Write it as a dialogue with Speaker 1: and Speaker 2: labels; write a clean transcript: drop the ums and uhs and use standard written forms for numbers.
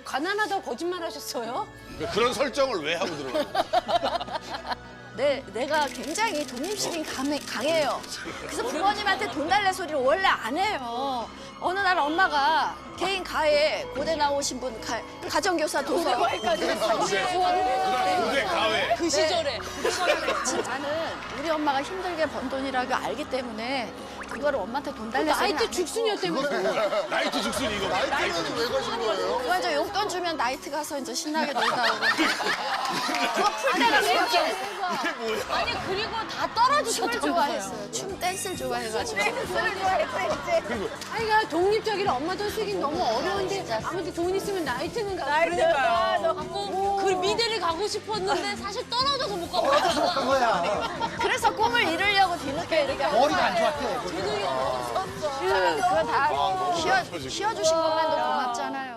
Speaker 1: 가난하다고 거짓말 하셨어요?
Speaker 2: 그런 설정을 왜 하고 들어가는 거야?
Speaker 3: 내가 굉장히 독립심이 강해요. 그래서 부모님한테 돈 달래 소리를 원래 안 해요. 어느 날 엄마가 개인 가해 고대 나오신 분 가정교사 도서
Speaker 2: 고대 가회.
Speaker 1: 그 시절에.
Speaker 3: 나는 우리 엄마가 힘들게 번 돈이라고 알기 때문에 그거를 엄마한테 돈 달래 소리는
Speaker 1: 나이트
Speaker 3: 안
Speaker 1: 죽순이었다면서.
Speaker 2: 나이트 죽순 이거.
Speaker 4: 나이트는 왜 가신 거예요?
Speaker 3: 그거 이제 용돈 주면 나이트 가서 이제 신나게 놀다 오고 그거 풀 때가 있었죠.
Speaker 2: 이게 뭐야?
Speaker 1: 아니 그리고 다 떨어지셨던
Speaker 3: 춤을 좋아했어요. 춤 댄스를 좋아해가지고.
Speaker 1: 아이가 독립적이라 엄마 돈 쓰긴 너무 어려운데 아무튼 돈 있으면 나이트는 가고 그러니까요. 그 미대를 가고 싶었는데 사실 떨어져서 못 가고
Speaker 4: 한 거야.
Speaker 3: 그래서 꿈을 이루려고 뒤늦게 이렇게
Speaker 4: 머리가 안 좋았대.
Speaker 3: 그거 다 키워주신 것만도 고맙잖아요.